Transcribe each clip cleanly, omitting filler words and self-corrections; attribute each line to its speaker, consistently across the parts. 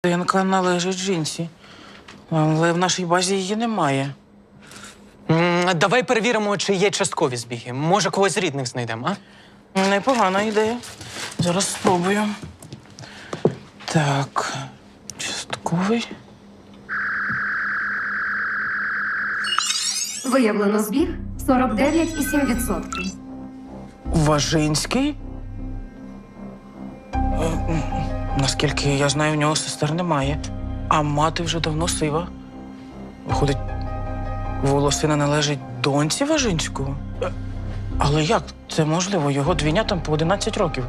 Speaker 1: ДНК належить жінці, але в нашій базі її немає.
Speaker 2: Давай перевіримо, чи є часткові збіги. Може, когось з рідних знайдемо, а?
Speaker 1: Непогана ідея. Зараз спробую. Так, частковий.
Speaker 3: Виявлено збіг 49,7%.
Speaker 1: Важинський? Наскільки я знаю, у нього сестер немає. А мати вже давно сива. Виходить, волосина належить доньці Важинського? Але як це можливо? Його двійнятам по 11 років.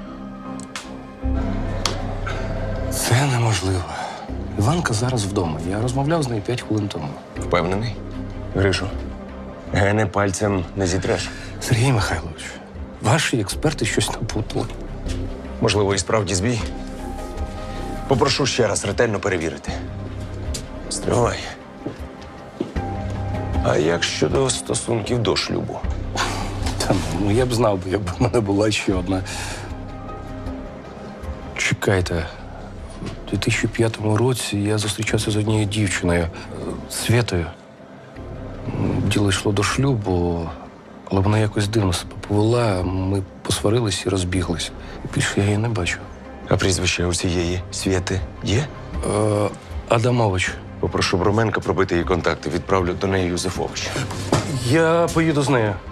Speaker 4: Це неможливо. Іванка зараз вдома. Я розмовляв з нею 5 хвилин тому.
Speaker 5: Впевнений? Гришу, гени пальцем не зітреш.
Speaker 4: Сергій Михайлович, ваші експерти щось напутали.
Speaker 5: Можливо, і справді збій. Попрошу ще раз ретельно перевірити. Стривай. А як щодо стосунків до шлюбу?
Speaker 4: Та ну я б знав, якби в мене була ще одна. Чекайте, у 2005 році я зустрічався з однією дівчиною, Свєтою. Діло йшло до шлюбу, але вона якось дивно себе повела. Ми посварились і розбіглись. І більше я її не бачу.
Speaker 5: А прізвище у цієї Свєти є?
Speaker 4: Адамович.
Speaker 5: Попрошу Броменка пробити її контакти. Відправлю до неї Юзефович.
Speaker 4: Я поїду з нею.